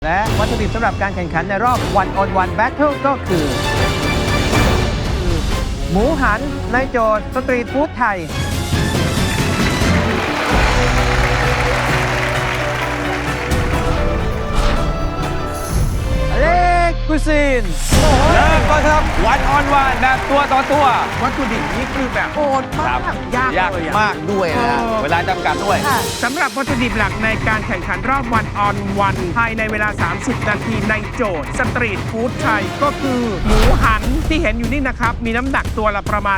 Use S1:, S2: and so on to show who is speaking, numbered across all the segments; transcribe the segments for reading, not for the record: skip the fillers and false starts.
S1: และวัตถุดิบสำหรับการแข่งขันในรอบ One on One Battle ก็คือ หมูหันในโจทย์สตรีทฟู้ดไทยเล็กกุซิน
S2: เริ่มก่อนครับวันออนวันแบบตัวต่อตัว
S1: วัตถุดิบนี้คือแบบโหดมากยาก
S2: ยาก
S1: เลย
S2: มากด้วยนะเวลาจำกัดด้วย
S3: สำหรับวัตถุดิบหลักในการแข่งขันรอบวันออนวันภายในเวลา 30 นาทีในโจทย์สตรีทฟู้ดไทยก็คือหมูหันที่เห็นอยู่นี่นะครับ มีน้ำหนักตัวละประมาณ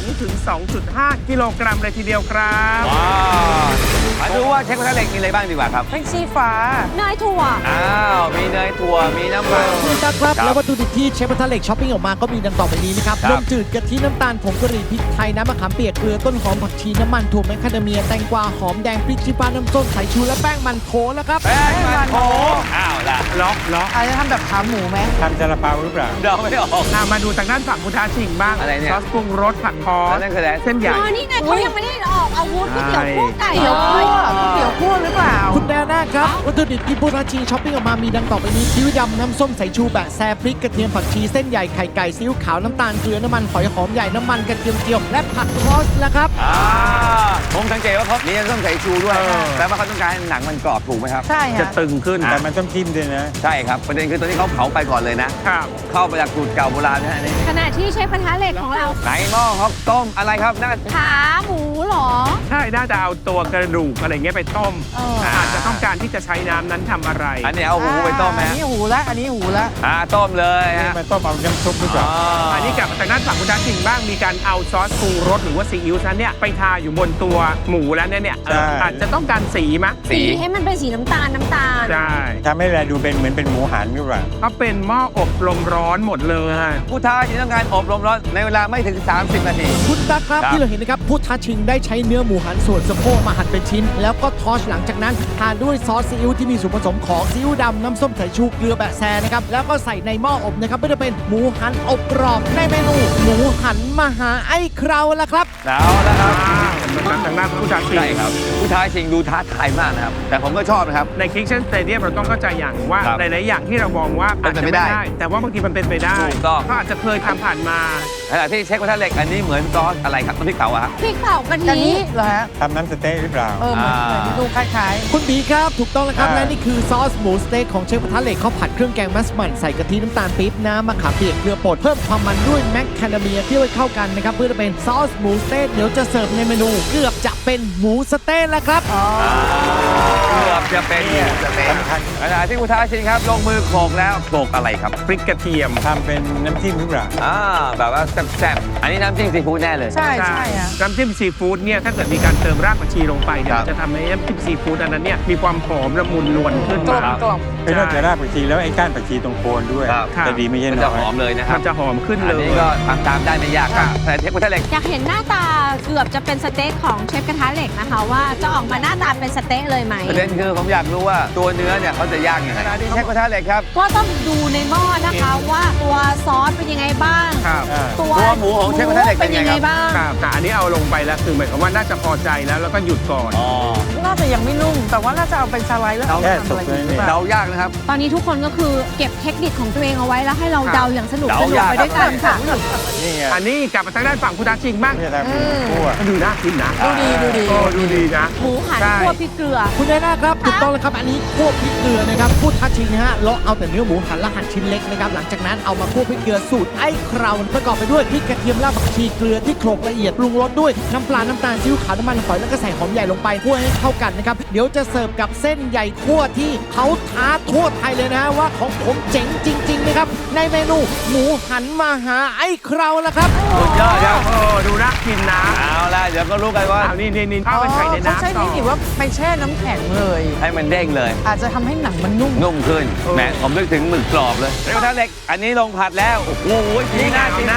S3: 2-2.5 กิโลกรัมเลยทีเดียวครับ
S2: ว้าวมาดูว่าเชฟกระทะเหล็กมีอะไรบ้างดีกว่าครับ
S3: แท็กซี่ฟ้า
S4: เนยถั่ว
S2: อ้าวมีเนยถั่วมีน้ำมัน
S5: ครับ แล้ววัตถุดิบที่เชฟกระทะเหล็กช้อปปิ้งออกมาก็มีดังต่อไปนี้นะครับ
S2: ครับ
S5: นมจืดกะทิน้ำตาลผงกะหรี่พริกไทยน้ำมะขามเปียกเกลือต้นหอมผักชีน้ำมันถั่วแมคคาเดเมียแตงกวาหอมแดงพริกชี้ฟ้าน้ำส้มสายชูและแป้งมันโถแล้วครับ
S2: แป้งมันโถอ้าวล่ะ
S3: ล็อก
S1: อาจจะทำแบบขาหมูไหม
S6: ทำซาลาเปาหรือเปล่า
S2: เดาไม่ออก
S3: มาดูทางด้านฝั่งพุทธาชิงบ้าง
S2: อะไรเนี่ย
S3: ซอสปรุงรสผัดพอส
S2: นั่นคืออะไร
S3: เส้นใหญ่
S4: อ๋อ นี่ไงเขายังไม่ได้ออกอาวุธก๋วยเตี๋ยวคั่วไก่
S1: เดี๋ยว
S4: เล
S1: คั่วย ก๋วยเตี๋ยวคั่วหรือเปล่า
S5: คุณแดน่าครับ วัตถุดิบที่พุทธาชิงช้อปปิ้งออกมามีดังต่อไปนี้ซีอิ๊วดำน้ำส้มสายชูแบะแซพริกกระเทียมผักชีเส้นใหญ่ไข่ไก่ซีอิ๊วขาวน้ำตาลเกลือน้ำมันหอยหอมใหญ่น้ำมันกระเทียมเจียวและผักครอสแล้วครับ
S2: ผมสังเกตว่าเขามีน้ำส้มสายชูด้วยแต่ว่าเขาต้องการให้หนังมันกรอบถูกไหมครับ
S1: ใช่
S3: จะ
S1: ฮะ
S3: ตึงขึ้น
S6: แต่มันต้องทิ่มด้วยนะ
S2: ใช่ครับประเด็นคือตัวนี้เขาเผาไปก่อนเลยนะ
S3: ครับ
S2: เข้าไปจากสูตรเก่าโบราณนะฮะนี่
S4: ขณะที่เชฟกระทะเหล็กของเรา
S2: ไหนหม้อครับต้มอะไรครับน่า
S4: ขาหมูเหรอ
S3: ใช่ น่าจะเอาตัวกระดูกอะไรเงี้ยไปต้ม
S2: อ่า
S3: อาจจะต้องการที่จะใช้น้ำนั้นทำอะไร
S2: อันนี้เอาหูไปต้มไหม
S1: อันนี้หูละอันนี้หูละ
S2: ต้มเลยฮะ
S6: มันต้มเอาน้ำซุปหรือเปล่า
S3: อันนี้กลับมาจากด้านฝั่งคุณทักษิณบ้างมีการเอาซอสปรุงรสหรือว่าซีอิ๊วนั้นเนี่ยไปทาอยู่บนตัวหมูแล้วเนี่ย
S6: ใช่
S3: อาจจะต้องการสีมะ
S4: สีให้มันเป็นสีน้ำตาล
S3: ใช่
S6: ทำให้เราดูเป็นเหมือนเป็นหมูหันหรือเปล่า
S3: เขาเป็นหม้ออบลมร้อนหมดเลย
S2: ผู้ท้าชิงต้องการอบรมร้อนในเวลาไม่ถึง 30 นาที
S5: คุณตั๊กครับ
S2: ครับ
S5: ที่เราเห็นนะครับพุทธชิงได้ใช้เนื้อหมูหันส่วนสะโพกมาหั่นเป็นชิ้น แล้วก็ทอชหลังจากนั้นทานด้วยซอสซีอิ๊วที่มีส่วนผสมของซีอิ๊วดำน้ำส้มสายชูเกลือแบะแซนะครับแล้วก็ใส่ในหม้ออบนะครับเพื่อจะเป็นหมูหันอบกรอบในเมนูหมูหันมหาไอ้เคราวละครับ
S2: เอาแล้วครับ
S3: ทางด้านผู้ทักษิณ
S2: ใช่ครับผู้ท้าชิงดูท้าทายมากนะครับ แต่ผมก็ชอบนะครับ
S3: ในคิกเช่นสเตเดียมเราต้องเข้าใจอย่างว่า
S2: ครับ
S3: หลายๆอย่างที่เรามองว่าอาจจะ
S2: เป็น
S3: ไม่
S2: ไปได้
S3: ได้ แต่ว่าบางทีมันเป็นไปได้
S2: ถูกต้อง
S3: เขาอาจจะเคยทำผ่านมา
S2: ขณะที่เช็คกระทะเหล็กอันนี้เหมือนซอสอะไรครับน้ำพริกเผาอะฮะ
S4: พริกเผากะ
S1: อัน
S4: ทิ
S1: นี้เหรอฮะ
S6: ทำน้ำสเต๊กหรือเปล่า
S1: เหมือน
S2: อ่า
S1: ดูคล้าย
S5: คุณบีครับ ถูกต้องแล้วครับ
S6: ใช่
S5: และนี่คือซอสหมูสเต็กของเชฟกระทะเหล็กเขาผัดเครื่องแกงมัสมั่นใส่กะทิน้ำตาลปี๊บน้ำมะขามเปียกเกลือป่นเพิ่มความมันด้วยแมคคาเดเมียที่ไว้เข้ากันนะครับเพื่อจะเป็นซอสหมูสเต็กเดี๋ยวจะเสิร์ฟในเมนูเกือบจะเป็นหมูสเต็กแล้วครับ
S2: เกือบจะเป็นหมูสะเต๊ะ
S6: สำคัญ
S2: ขณะที่ผู้ท้าชิงครับลงมือโขลกแล้วโขลกอะไรครับ
S3: พริกกระเทียม
S6: ทำเป็นน้ำจิ้มหรือเปล่า
S2: แบบว่าแซ่บๆอันนี้น้ำจิ้มซีฟู้ดแน่เลย
S1: ๆ ใช่ใช่ฮะ
S3: น้ำจิ้มซีฟู้ดเนี่ยถ้าเกิดมีการเติมรากผักชีลงไปเนี่ย
S2: ครับ
S3: จะทำให้น้ำจิ้มซีฟู้ดอันนั้นเนี่ยมีความหอมละมุนนวลขึ้น
S1: กล
S3: มาม
S1: กล่อม
S6: เป็นนอกจากรากผักชีแล้วไอ้ก้านผักชีตรงโคนด้วย
S2: ครับ
S6: จะดีไม่ใช่
S2: มัน
S6: น้
S2: จะ
S6: อ
S2: ห
S6: ย
S2: อมเลยนะครั
S3: มั
S2: บ
S3: นจะหอมขึ้น
S2: อั
S3: เล
S2: น
S3: ย
S2: นี้ก็ทำตามได้ไม่ยากครับแต่เชฟกระทะเหล็ก
S4: อยากเห็นหน้าตาเกือบจะเป็นสเต็กของเชฟกระทะเหล็กนะคะ ว่าจะออกมาหน้าตาเป็นสเต็กเลยไหม
S2: ประเด็นคือผมอยากรู้ว่าตัวเนื้อเนี่ยเขาจะย่างยังไงขณะที่เชฟกระทะเหล็กครับ
S4: ก็ต้องดูในหม้อนะคะว่าตัวซอสเป็นยังไงบ้าง
S3: ครับ
S4: ตัว
S2: หมูของเชฟกระทะเหล็กเป็นยังไงครับ
S4: บ้าง
S3: ครับแต่อันนี้เอาลงไปแล้วคือหมายความว่าน่าจะพอใจแล้วก็หยุดก่อน
S1: น่าจะยังไม่นุ่ม แต่ว่าน่าจะเอาเป็นสไลด์แล้วเอา
S6: แค่
S1: ทำ
S6: สุ
S1: อะ
S6: ก
S1: ไร
S6: เลย
S1: หรือ
S6: เนี่ย
S1: เปล่า
S2: เดายากนะครับ
S4: ตอนนี้ทุกคนก็คือเก็บเทคนิคของตัวเองเอาไว้แล้วให้เราเดาอย่างสนุก
S2: เดา
S4: สนุก
S2: ยาก
S4: ไปด้วยกันค่ะ
S6: นี่ไง
S3: อันนี้กลับมาทางด้านฝั่งคุณทักษิณบ้าง
S6: ไม่ใช่ทำเป็นคั่ว
S3: มันดูน่ากินนะ
S1: ดูดีดูดี
S3: โอ้ดูดีนะ
S4: หมูหัน
S3: ใช่
S4: คั่วพริกเกลือ
S5: คุณแดน่าครับถูกต้องแล้วครับอันนี้คั่วพริกเกลือนะครับพูดทัชชิงนะฮะเลาะเอาแต่เนื้อหมูหันและหั่นชิ้นเล็กนะครับหลังจากนั้นเอามาคั่วพริกเกลือสูตรไอ้เคราวประกอบไปด้วยพริกกระเทียมรากผักชีเกลือที่โขลกละเอียดปรุงรสด้วยน้ำปลาน้ำตาลซีอิ๊วขาวน้ำมันหอยแล้วก็ใส่หอมใหญ่ลงไปคั่วให้เข้ากันนะครับเดี๋ยวจะเสิร์ฟกับเส้นใหญ่คั่วที่เขาท้าทั่วไทยเลยนะฮะว่าของผมเจ๋งจริงๆนะครับในเมนูหมูหันมาหาไอ้เคราวละครับ
S2: สุดยอดครับ
S3: โอ้ดูน่ากินนะ
S2: เอาล่ะเดี๋ยวก็รู้กันว่า
S3: เอานี่เข้าไปใส่ใน
S1: เขาใช้
S3: น้ำต่
S1: เท
S3: อ
S1: คนิคว่าไปแช่น้ำแข็งเลย
S2: ให้มันเด้งเลย
S1: อาจจะทำให้หนังมันนุ่ม
S2: นุ่มขึ้นแหมผมนึกถึงหมึกกรอบเลยเชฟกระทะเหล็กอันนี้ลงผัดแล้วโอ้โหจีน่า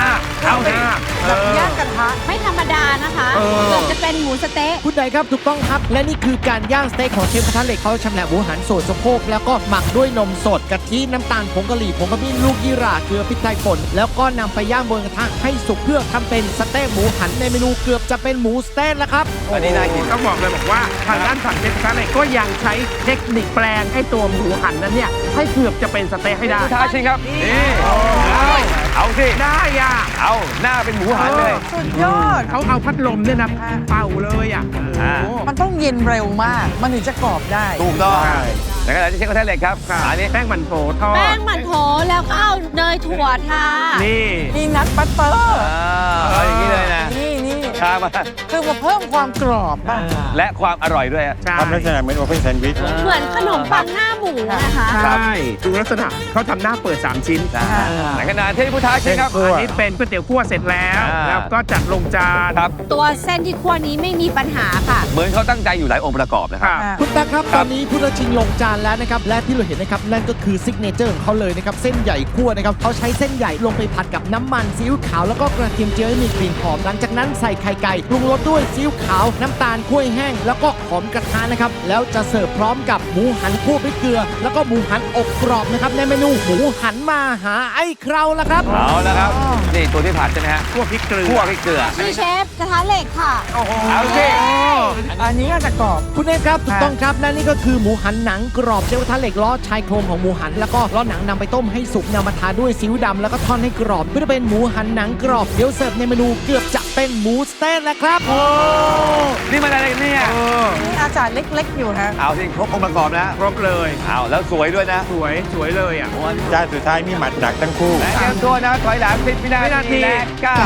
S2: เอาสิ
S7: แบบย่างกระทะ
S4: ไม่ธรรมดานะคะ
S3: เออ
S4: เกือบจะเป็นหมูสะเต๊ะ
S5: คุณใดครับถูกต้องครับ และนี่คือการย่างสเต็กของเชฟกระทะเหล็กเขาชำแหละหมูหันส่วนสะโพกแล้วก็หมักด้วยนมสดกะทิน้ำตาลผงกะหรี่ผงขมิ้นลูกยี่หร่าเกลือพริกไทยป่นแล้วก็นำไปย่างบนกระทะให้สุกเพื่อทำเป็นสเต็กหมูหันในเมนูเกือบจะเป็นหมูสเต็กแล้วครับ
S2: อันนี้น่ากิน
S3: ต้องบอกเลยบอกว่าทางด้านฝั่งเชฟกระทะเหล็กก็ยังใช้เทคนิคแปลงให้ตัวหมูหันนั้นเนี่ยให้เกือบจะเป็นสเต๊ะให้ได้
S2: ท้าชิงครับ นี่เอาสิ
S3: ได้อ่ะ
S2: เอาหน้าเป็นหมูหันเลย
S7: สุดยอด
S3: เขาเอาพัดลมเนี่ยนะเป่าเลยอ่ะ
S2: อ่า
S3: โอ้โห
S7: มันต้องเย็นเร็วมาก มันถึงจะกรอบได้
S2: ถูกต้องในขณะที่เชฟกระทะเหล็กครับอันนี้
S3: แป้งมันโถทอ
S4: แป้
S3: ด
S4: งหมันโถแล้วก็เอาเนยถั่วทา
S3: นี่
S7: มีนัทบัตเตอร์
S2: เอาอย่างนี้เลยนะ
S7: นี่
S2: ชามา
S7: คือมาเพิ่มความกรอบป่ะ
S2: และความอร่อยด้วยอะ
S3: ใช่
S6: ทำลักษณะเหมือนโอเพ่นแซนด์วิช
S4: เหมือนขนมปังหน้าหมูนะคะ
S3: ใช่ดูลักษณะเขาทำหน้าเปิด 3 ชิ้น
S2: ในขณะที่ผู้ท้าชิงครับ
S3: อันนี้เป็นก๋วยเตี๋ยวคั่วเสร็จแล้ว
S2: อ่า
S3: แล้วก็จัดลงจาน
S2: ครับ
S4: ตัวเส้นที่คั่วนี้ไม่มีปัญหาค่ะ
S2: เหมือนเขาตั้งใจอยู่หลายองค์ประกอบนะครับ
S3: ครับ
S5: คุณตาครับตอนนี้ผู้ท้าชิงลงจานแล้วนะครับและที่เราเห็นนะครับนั่นก็คือซิกเนเจอร์ของเขาเลยนะครับเส้นใหญ่คั่วนะครับเขาใช้เส้นใหญ่ลงไปผัดกับน้ำมันซีอิ๊วขาวแล้วก็กระเทียมเจียวให้มีกลิ่นหอมหลังจากนั้นใส่ไข่ไก่ปรุงรสด้วยซีอิ๊วขาวน้ำตาลกล้วยแห้งแล้วก็หอมกระทะนะครับแล้วจะเสิร์ฟพร้อมกับหมูหันคั่วพริกเกลือ แล้วก็หมูหันอบกรอบนะครับในเมนูหมูหันมาหาไอ้เคราละครับ
S2: เอาแล้วครับ นี่ตัวที่ผัดใช่ไหมฮะ
S3: คั่วพริกเกลือ
S2: คั่วพริกเกลือ
S4: ชื่อเชฟกระทะเหล็กค่ะ
S3: โอ้โห
S2: เอาสิ
S7: อันนี้ก็จะกรอบ
S5: คุณเอกครับถูกต้องครับและนี่ก็คือหมูหันหนังกรอบเชฟกระทะเหล็กล้อชายโครงของหมูหันแล้วก็ล้อหนังนำไปต้มให้สุกนำมาทาด้วยซีอิ๊วดำแล้วก็ทอดให้กรอบเพื่อเป็นหมูหันหนังกรอบเดี๋ยวเสิร์ฟในเมนูเกือบจะเป็นหมูสเต็กแล้วครับ
S2: นี่มันอะไรเนี่ย
S3: เออ
S7: นี่อาจารย์เล็กๆอยู่ฮะ
S2: เอาสิครบองค์ประกอบนะ
S3: ครบเลย
S2: เอาแล้วสวยด้วยนะ
S3: สวยสวยเลยอ่ะ
S6: จานสุดท้ายนี่หมัดหนักทั้งคู่
S2: และเตรียมตัวนะถอยหลัง10 วินา
S3: วินาที
S2: ทีและ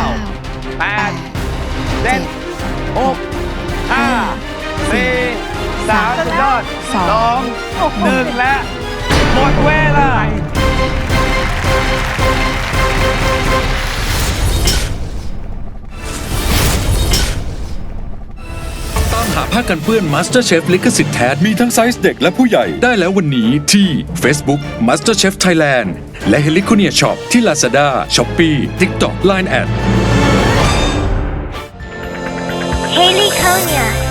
S2: 9 8 7 6 5 4 3สุดยอด2 1 และหมดเวลา
S8: ตามหาผ้ากันเปื้อน MasterChef ลิขสิทธิ์แท้มีทั้งไซส์เด็กและผู้ใหญ่ได้แล้ววันนี้ที่ Facebook MasterChef Thailand และ Heliconia Shop ที่ Lazada, Shopee, TikTok, Line@
S9: Heliconia